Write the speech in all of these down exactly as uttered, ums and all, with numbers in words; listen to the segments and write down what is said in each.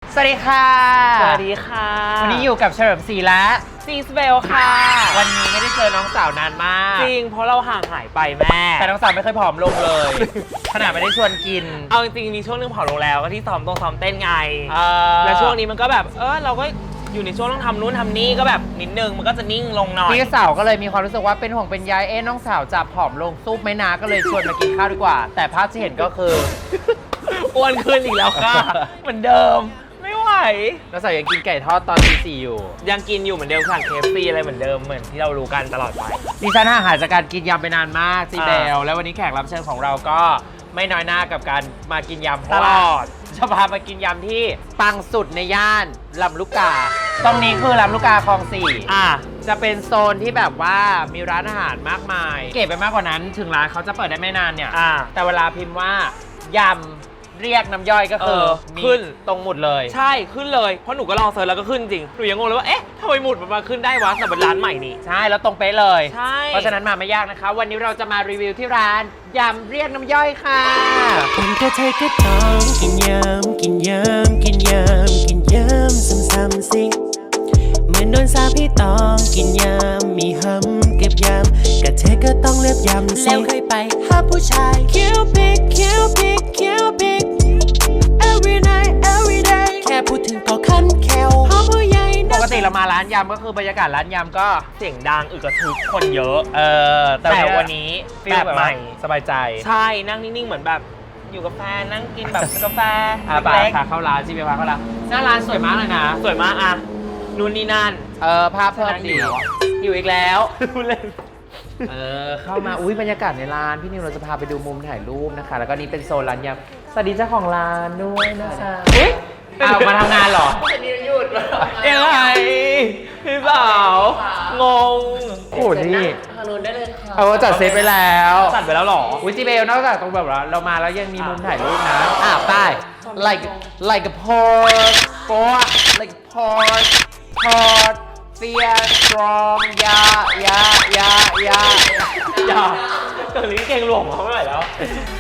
สวัสดีค่ะสวัสดีค่ะวันนี้อยู่กับเฉลิมศรีและซีสเบลค่ะวันนี้ไม่ได้เจอน้องสาวนานมากจริงเพราะเราห่างหายไปแม่แต่น้องสาวไม่เคยผอมลงเลยขนาดไม่ได้ชวนกินเอาจริงๆมีช่วงนึงผอมลงแล้วก็ที่ซ้อมตรงซ้อมเต้นไงแล้แล้วช่วงนี้มันก็แบบเออเราก็อยู่ในช่วงต้องทำนู่นทำนี่ก็แบบนิดนึงมันก็จะนิ่งลงหน่อยพี่สาวก็เลยมีความรู้สึกว่าเป็นห่วงเป็นใยเอ๊ะน้องสาวจะผอมลงซุปไหมนาก็เลยชวนมากินข้าวดีกว่าแต่ภาพที่เห็นก็คืออ้วนขึ้นอีกแล้วค่ะเหมือนเดิมไม่ไหวน้องสาวยังกินไก่ทอดตอนตีสี่อยู่ยังกินอยู่เหมือนเดิมค่ะ เค เอฟ ซี อะไรเหมือนเดิมเหมือนที่เรารู้กันตลอดไปดิฉันห่างหายจากการกินยำไปนานมากซีเบลแล้ววันนี้แขกรับเชิญของเราก็ไม่น้อยหน้ากับการมากินยำเพราะว่าจะพามากินยำที่ปังสุดในย่านลำลูกกาตรงนี้คือลำลูกกาคลองสี่อ่ะจะเป็นโซนที่แบบว่ามีร้านอาหารมากมายเก๋ไปมากกว่านั้นถึงร้านเขาจะเปิดได้ไม่นานเนี่ยแต่เวลาพิมพ์ว่ายำเรียกน้ำย่อยก็คือขึ้นตรงหมุดเลยใช่ขึ้นเลยเพราะหนูก็ลองเซิร์ชแล้วก็ขึ้นจริงหนูยังงงเลยว่าเอ๊ะทำไมหมุดมันมาขึ้นได้วะแต่เป็นร้านใหม่นี่ใช่แล้วตรงเป๊ะเลยใช่เพราะฉะนั้นมาไม่ยากนะคะวันนี้เราจะมารีวิวที่ร้านยำเรียกน้ำย่อยค่ะคนก็เธอก็ต้องกินยำกินยำกินยำกินยำซ้ำๆสิเหมือนโดนสาปให้ต้องกินยำมีหำเก็บยำก็เธอก็ต้องเลือกยำสิแล้วเคยไปหาผู้ชายคิวปิกคิวปิกคิวปิก every night every day แค่พูดถึงก็คันแควเพราะผู้ใหญ่ปกติเรามาร้านยำก็คือบรรยากาศร้านยำก็เสียงดังอึกกระทึกคนเยอะเออแต่วันนี้แบบใหม่สบายใจใช่นั่งนิ่งๆเหมือนแบบอยู่กับแฟนนั่งกินแบบกาแฟเล็กๆพาเข้าร้านจีเบพาเข้าร้านหน้าร้านสวยมากเลยนะสวยมากอ่ะนู่นนี่นั่นเออภาพเพิ่มดีอยู่อีกแล้วเออเข้ามาอุ้ยบรรยากาศในร้านพี่นิวเราจะพาไปดูมุมถ่ายรูปนะคะแล้วก็นี่เป็นโซนร้านยำสวัสดีเจ้าของร้านด้วยนะคะอุ้ยเอามาทำงานเหรอวันนี้หยุดยังไงพี่สาวงงโอ้นี่ทางนู้นได้เลยค่ะเออจัดเซตไปแล้วจัดไปแล้วหรออุ้ยจีเบลนอกจากตรงแบบเรามาแล้วยังมีมุมถ่ายรูปนะอ่ะไป like like a port port like a port port fear strong ยายายายายาตอนนี้เก่งหลวงมาเมื่อไหร่แล้ว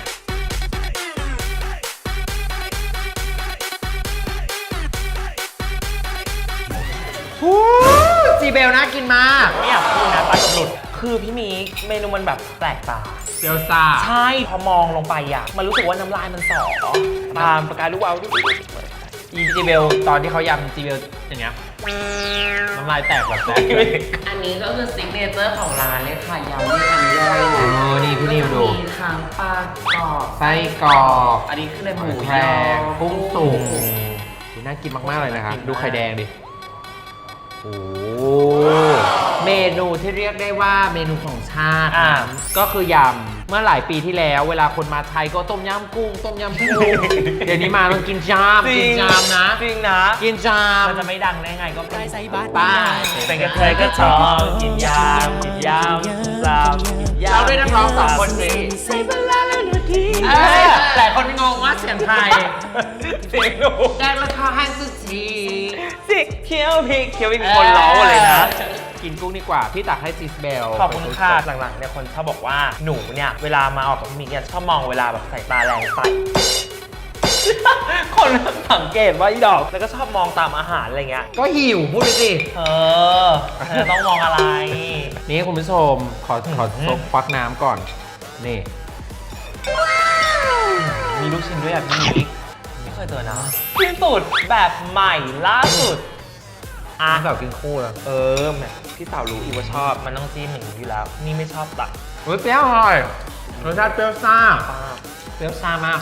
จีเบลน่ากินมากไม่อยากพูดนะปากหลุดคือพี่มีเมนูมันแบบแปลกตาเกี๊ยวซ่าใช่พอมองลงไปอ่ะมันรู้สึกว่าน้ำลายมันสอตามประกายลูกเอาอีจีเบลตอนที่เขายำจีเบลอย่างเงี้ยน้ำลายแตกแบบแตกอันนี้ก็คือซิกเนเจอร์ของร้านเลยค่ะยำที่ทำย่อยนะโอ้นี่พี่นิวดูมีทั้งปลากรอบไส้กรอบอันนี้คือในหมูแพงกุ้งสุกน่ากินมากๆเลยนะคะดูไข่แดงดิโอ้เมนูที่เรียกได้ว่าเมนูของชาติก็คือยำเมื่อหลายปีที่แล้วเวลาคนมาไทยก็ต้มยำกุ้งต้มยำกุ้งเดี๋ยวนี้มาต้องกินจามกินจามนะจริงนะกินจามมันจะไม่ดังได้ไงก็ไปใส่บาตรป้าเป็นกระเทยก็ชอบกินยำกินยำซ้ำเราด้วยนักร้องสองคนนี้ใส่บาลาแล้วนาทีหลายคนงงว่าเสียงไทยเสียงหนูแดงราคาให้สุดทีสิเคี้ยวพริกเคี้ยวพริกคนร้องเลยนะกินกุ้งดีกว่าพี่ตักให้ซิสเบลขอบคุณค่ะหลังๆเนี่ยคนชอบบอกว่าหนูเนี่ยเวลามาออกกับพี่มิกเนี่ยชอบมองเวลาแบบใส่ตาแรงใส่คนสังเกตว่าอีดอกแล้วก็ชอบมองตามอาหารอะไรเงี้ยก็หิวพูดไปสิเออเธอต้องมองอะไรนี่คุณผู้ชมขอขอซกควักน้ำก่อนนี่มีลูกชิ้นด้วยอ่ะพี่มิกไม่เคยเจอนะที่สุดแบบใหม่ล่าสุดอ่ะสาวกินคู่แล้วเออแม่พี่สาวรู้อีกว่าชอบมันต้องจิ้มอย่างนี้อยู่แล้วนี่ไม่ชอบตัดเฮ้ยเปรี้ยวอร่อยรสชาติเปรี้ยวซ่าเปรี้ยวซ่ามาก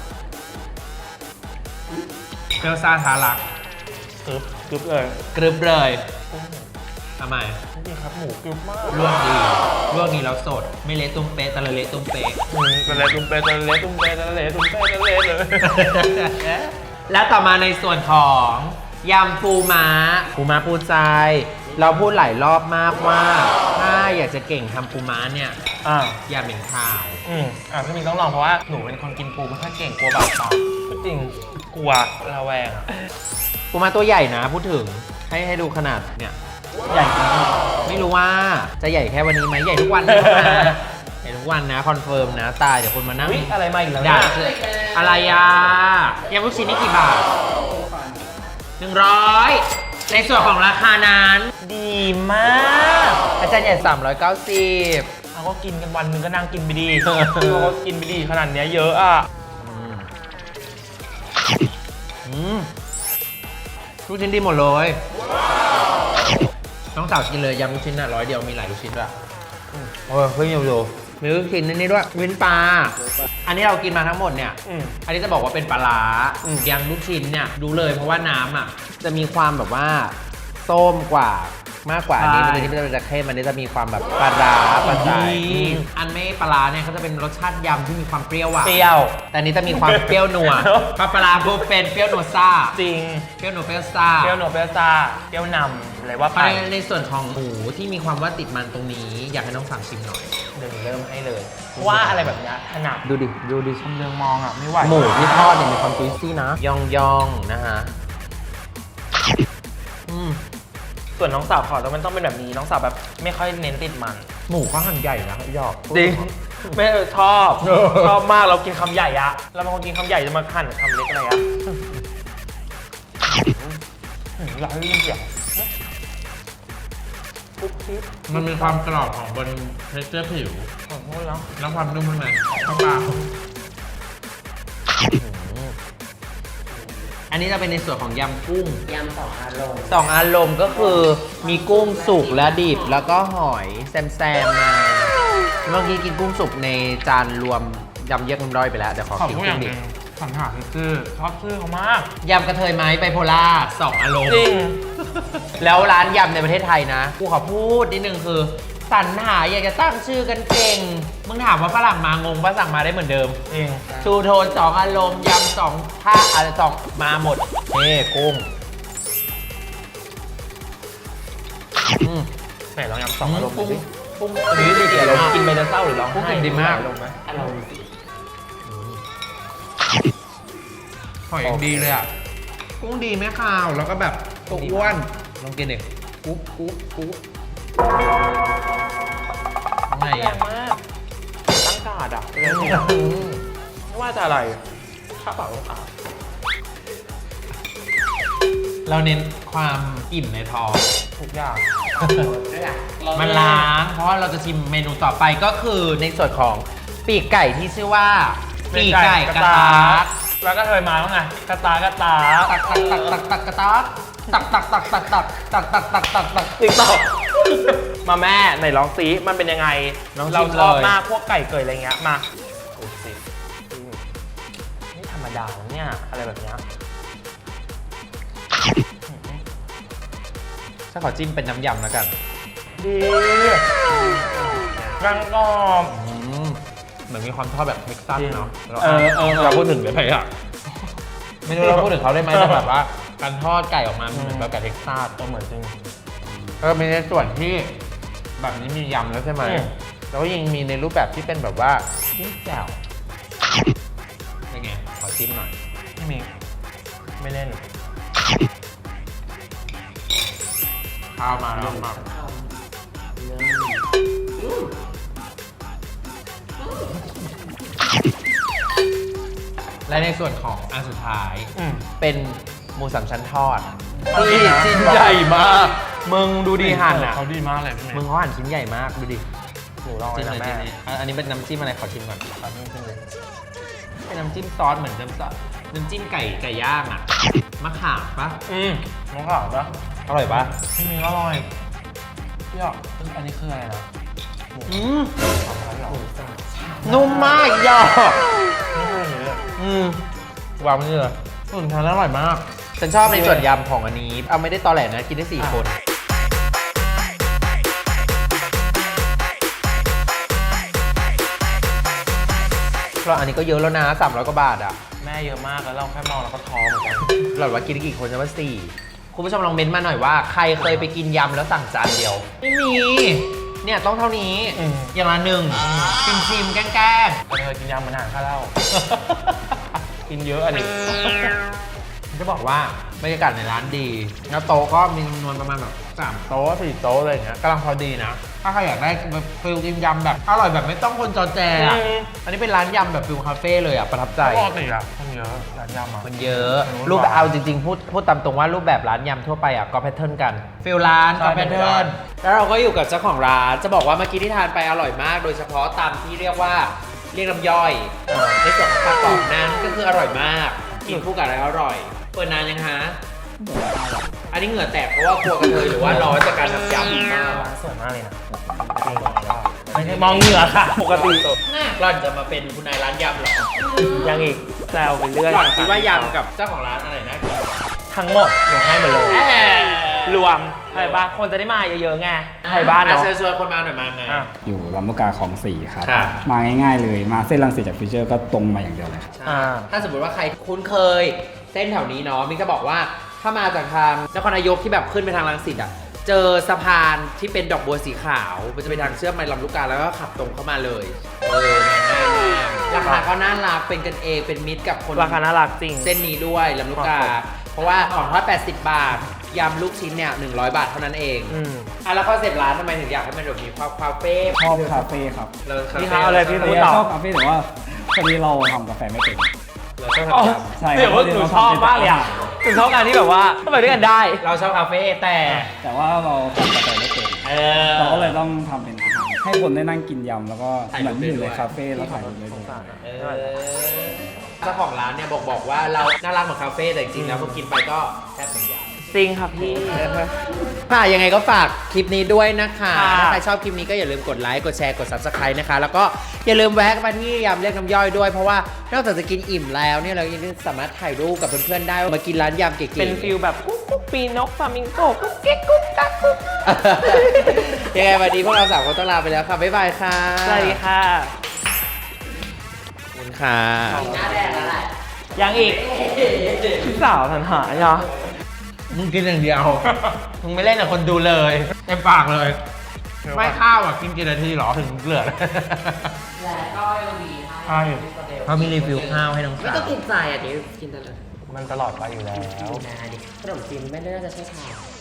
เปรี้ยวซ่าทาลักกรึบกรึบเลยกรึบเลยทำไมดีครับหมูกรึบมากลวกดีลวกดีแล้วสดไม่เละตุ้มเป๊ะแต่ละเละตุ้มเป๊ะแต่เละตุ้มเป๊ะแต่ละเละตุ้มเป๊ะแต่ละเละตุ้มเป๊ะแต่ละเละเลยแล้วต่อมาในส่วนของยำปูม้าปูม้าปูใจเราพูดหลายรอบมากว่าถ้าอยากจะเก่งทำปูม้าเนี่ยอ่าอย่าเหม็นข่าวอืมอ่าพี่มิงต้องลองเพราะว่าหนูเป็นคนกินปูไม่ค่อยเก่งกลัวบาดปากจริงกลัวระแวงปูม้าตัวใหญ่นะพูดถึงให้ให้ดูขนาดเนี่ยใหญ่จริงไม่รู้ว่าจะใหญ่แค่วันนี้ไหมใหญ่ทุกวันนะใหญ่ทุกวันนะคอนเฟิร์มนะตายเดี๋ยวคนมานั่งอะไรมาอีกแล้วด่าอะไรอ่ะยำลูกชิ้นนี่กี่บาทหนึ่งร้อยในส่วนของราคานั้นดีมากอาจารย์ใหญ่สามร้อยเก้าสิบเราก็กินกันวันหนึงก็นั่งกินไปดี เราก็กินไปดีขนาดเนี้ยเยอะอ่ะอืมลูกชิ้นดีหมดเลยน้องสาวกินเลยยำลูกชิ้นอ่ะร้อยเดียวมีหลายลูกชิ้นด้วยโอ้ยเฮ้ยอยู่ดูมีลูกชิ้นนี่นี่ด้วยวินปลาอันนี้เรากินมาทั้งหมดเนี่ยอืมอันนี้จะบอกว่าเป็นปลาร้าอืมยำลูกชิ้นเนี่ยดูเลยเพราะว่าน้ำอ่ะจะมีความแบบว่าส้มกว่ามากกว่าอันนี้มันจะจะเข้มอันนี้จะมีความแบบปลาร้าปลาใจอันไม่ปลาร้าเนี่ยเขาจะเป็นรสชาติยำที่มีความเปรี้ยวอ่ะเปรี้ยวแต่อันนี้จะมีความเปรี้ยวนัวปลาปลาร้าปุ๊บเป็นเปรี้ยวนัวซ่าจริงเปรี้ยวนัวเปรี้ยวซ่าเปรี้ยวโนเปรี้ยวซาเปรี้ยวนำอะไรว่าไปในในส่วนของหมูที่มีความว่าติดมันตรงนี้ อยากให้น้องสั่งชิมหน่อยเดี๋ยวหนูเริ่มให้เลยเพราะว่าอะไรแบบเนี้ยถนัดดูดิดูดิชำเลืองมองอ่ะไม่ไหวหมูที่ทอดเนี่ยมีความจุยซี่นะยองยองๆนะฮะอืมส่วนน้องสาวขอแล้วมันต้องเป็นแบบนี้น้องสาวแบบไม่ค่อยเน้นติดมันหมูเขาหั่นใหญ่นะหยอกจริงไม่เออชอบ ชอบมากเรากินคำใหญ่อะเราเป็นคนกินคำใหญ่จะมาหั่นคำเล็กอะไรอะอืมอยากให้ได้ยินเสียงปุ๊บปิ๊บมันมีความกรอบของบนเทคเจอร์ผิวขอโทษแล้วแล้วความนุ่มข้างในข้างปลาอันนี้จะเป็นในส่วนของยำกุ้งยำสองอารมณ์สองอารมณ์ก็คือมีกุ้งสุกและดิบแล้วก็หอยแซมๆมาเมื่อกี้กินกุ้งสุกในจานรวมยำเยอะน้ำร้อยไปแล้วเดี๋ยวขอขอกินพูดอกุ้ย่าง งหดินึบงสังหารชื่อชอบชื่อเขามากยำกระเทยไม้ไบโพล่าสองอารมณ์จริงแล้วร้านยำในประเทศไทยนะกูขอพูดนิดนึงคือสรรหาอยากจะตั้งชื่อกันเก่งมึงถามว่าฝรั่งมางงปะสั่งมาได้เหมือนเดิมจริงชูโทนสองอารมณ์ยำสองท่าอะไรสองมาหมดเฮ้กุ้งอืมไหนลองยำสองอารมณ์ดูสิกุ้งอันนี้ดีเดียวเรากินไปแล้วเศร้าหรือร้องกุ้งไห้กินดีมากลงไหมอารมณ์หอยยังดีเลยอ่ะกุ้งดีไม่คาวแล้วก็แบบตัวอ้วนลองกินดิกุ๊บกุ๊บกุ๊บไงแรอ่ะงมากตั้งการ์ดอะเลยไม่ว่าจะอะไรข้าวเปล่าขาวเราเน้นความอิ่มในท้องทุกอย่างด้วยอ่ะมันล้างเพราะว่าเราจะชิมเมนูต่อไปก็คือในส่วนของปีกไก่ที่ชื่อว่าปีกไก่กระตากแล้วก็เคยมาแล้วไงกระตากระตาตักตักตักตักตักกระตากตักตักตักตักตักตักตักตักตักตักติ๊กต็อกมาแม่ไหนลองซิมันเป็นยังไงลองชิเรามชอบเลยมากพวกไก่เกยอะไรเงี้ยมาดูสิอืมนี่ธรรมดาเนี่ยอะไรแบบเนี้ยถ้าขอจิ้มเป็นน้ำยำแล้วกันดีรังกรอบเหมือนมีความทอดแบบเท็กซัสเนาะเออเออเราพูดถึงเลยอ่ะไม่รู้เราพูดถึงเขาได้ไหมแต่แบบว่าการทอดไก่ออกมามันเหมือนแบบไก่เท็กซัสก็เหมือนจริงเออมีในส่วนที่แบบนี้มียำแล้วใช่ไหมอืมแล้วก็ยังมีในรูปแบบที่เป็นแบบว่าจิ้มแจ่วเป็นไงขอจิ้มหน่อยไม่มีไม่เล่นข้าวมาแล้วมา และในส่วนของอันสุดท้ายอืมเป็นหมูสามชั้นทอดเฮ้ยที่ชิ้นใหญ่มาก มึงดูดีหั่นอ่ะเขาดีมากเลยพี่เมย์มึงเขาหั่นชิ้นใหญ่มากดูดิหนูลองเลจิ้ยมนะเลยแม่จิ้มเลยอ่ะอันนี้เป็นน้ำจิ้มอะไรขอชิมก่อนครับนี่ขึ้นเลยเป็นน้ำจิ้มซอสเหมือนน้ำซอสน้ำจิ้มไก่ไก่ย่างอ่ะมะขามปะอืมน้องขาวปะอร่อยปะพี่เมย์อร่อยพี่อ่ะอันนี้คืออะไรนะหมูอืมสามชั้นเหรอนุ่มมากยอไม่ใช่อย่างนี้เลยอืมวางไว้นี่เลยส่วนทานอร่อยมาก ฉันชอบในส่วนยำของอันนี้ เอาไม่ได้ตอแหลนะ กินได้สี่คน เราอันนี้ก็เยอะแล้วนะสามร้อยกว่าบาทอ่ะแม่เยอะมากแล้วเราแค่มองเราก็ท้อเหมือนกันหลอดว่ากินได้กี่คนจะว่าสี่คุณผู้ชมลองเม้นต์มาหน่อยว่าใครเคยไปกินยำแล้วสั่งจานเดียว ไม่มี เนี่ยต้องเท่านี้อืมอย่างละหนึ่งชิมชิมๆแกล้งแต่เธอกินยำเหมือนอาหารข้าวเหล้า กินเยอะอันนี้ๆจะบอกว่าบรรยากาศในร้านดีแล้วโต๊ะก็มีจำนวนประมาณแบบสามโต๊ะสี่โต๊ะอะไรอย่างเงี้ยกำลังพอดีนะ ถ้าใครอยากได้แบบฟิลกินยำแบบอร่อยแบบไม่ต้องคนจอแจอ่ะอืมอันนี้เป็นร้านยำแบบฟิลคาเฟ่เลยอ่ะประทับใจปกติอะคนเยอะร้านยำอะมันเยอะอืมรูปแบบเอาจริงๆ พูดพูดตามตรงว่ารูปแบบร้านยำทั่วไปอ่ะก็แพทเทิร์นกันฟิลร้านใช่ก็แพทเทิร์นแล้วเราก็อยู่กับเจ้าของร้านจะบอกว่าเมื่อกี้ที่ทานไปอร่อยมาก โดยเฉพาะตามที่เรียกว่าเรียกน้ำย่อยในส่วนของปลากรอบนั้นก็คืออร่อยมากกินคู่กับอะไรอร่อยเปิดนานยังฮะอันนี้เหงื่อแตกเพราะว่ากลัวกระเทยหรือว่าร้อนจากการทำยำมากร้านสวยมากเลยนะจริงไม่ได้มองเหงื่อค่ะ ปกติหล่อนจะมาเป็นคุณนายร้านยำเหรอยังอีกแซวไปเรื่อยหล่อนคิดว่ายำกับเจ้าของร้านอะไรนะทั้งหมดหนูให้หมดเลยแหมรวมใช่ปะคนจะได้มาเยอะๆไงไทยบ้านเนาะเชิญชวนคนมาหน่อยมาไงอ่ะอยู่ลำลูกกาของสี่ครับครับมาง่ายๆเลย มาเส้นรังสิตจากฟิวเจอร์ก็ตรงมาอย่างเดียวเลยครับใช่อ่าถ้าสมมติว่าใครคุ้นเคยเส้นแถวนี้เนาะมิกจะบอกว่าถ้ามาจากทางนครนายกที่แบบขึ้นไปทางรังสิตอ่ะเจอสะพานที่เป็นดอกบัวสีขาวมันจะเป็นทางเชื่อมไปลำลูกกาแล้วก็ขับตรงเข้ามาเลยเออง่ายมากราคาก็น่ารักเป็นกันเองเป็นมิตรกับคนราคาน่ารักจริงเส้นนี้ด้วยลำลูกกาครับเพราะว่าของทอดแปดสิบบาทยำลูกชิ้นเนี่ยหนึ่งร้อยบาทเท่านั้นเองอืมอ่ะแล้วคอนเซปต์ร้านทำไมถึงอยากให้มันแบบมีความคาเฟ่ชอบคาเฟ่ครับเราคาพี่เฟ่เขาเอาเลยพี่แต่พูดว่าต่อชอบคาเฟ่แต่ว่าพอดีเราทำกาแฟไม่เป็นเราชอบอ๋อทำยำใช่ครับเดี๋ยวว่าหนูชอบมากเลยอ่ะหนูชอบการที่แบบว่าก็ไปด้วยกันได้เราชอบคาเฟ่แต่แต่ว่าเราทำกาแฟไม่เป็นเออเราก็เลยต้องทำเป็นอาหารให้คนได้นั่งกินยำแล้วก็ถ่ายเหรูมือปนได้อยู่ด้วยในคาเฟ่แล้วถ่ายรูปได้ด้วยเออเจ้าของร้านเนี่ยบอกบอกว่าเราน่ารักเหมือนคาเฟ่แต่จริงๆแล้วพอกินไปก็แทบเหมือนยำจริงค่ะพี่ค่ะยังไงก็ฝากคลิปนี้ด้วยนะคะค่ะถ้าใครชอบคลิปนี้ก็อย่าลืมกดไลค์ กดแชร์ กด Subscribe นะคะ แล้วก็อย่าลืมแวะมาที่ยำเรียกน้ำย่อยด้วย เพราะว่านอกจากจะกินอิ่มแล้วเนี่ยเรายังสามารถถ่ายรูปกับเพื่อนๆได้มากินร้านยำเก๋ๆเป็นฟิลแบบกุ๊กกุ๊กปีนกฟลามิงโกกุ๊กเก๊กกุ๊กกักกุ๊กยังไงวันนี้พวกเราสามคนต้องลาไปแล้วค่ะ บ๊ายบายค่ะสวัสดีค่ะขอบคุณค่ะหน้าแดงแล้วแหละยังอีกพี่สาวสันหาเนาะมึงกินอย่างเดียว มึงไม่เล่นกับคนดูเลยเต็มปากเลย ไม่ข้าวอ่ะ กินกี่นาทีหรอถึงเหลือและก็ยังมีใช่เขามีรีวิวข้าวให้น้องไม่สาต้องวกินใจอ่ะเดี๋ยวกินตลอดมันตลอดไปอยู่แล้วนาดิขนมจีนไม่น่าจะใช่ทาง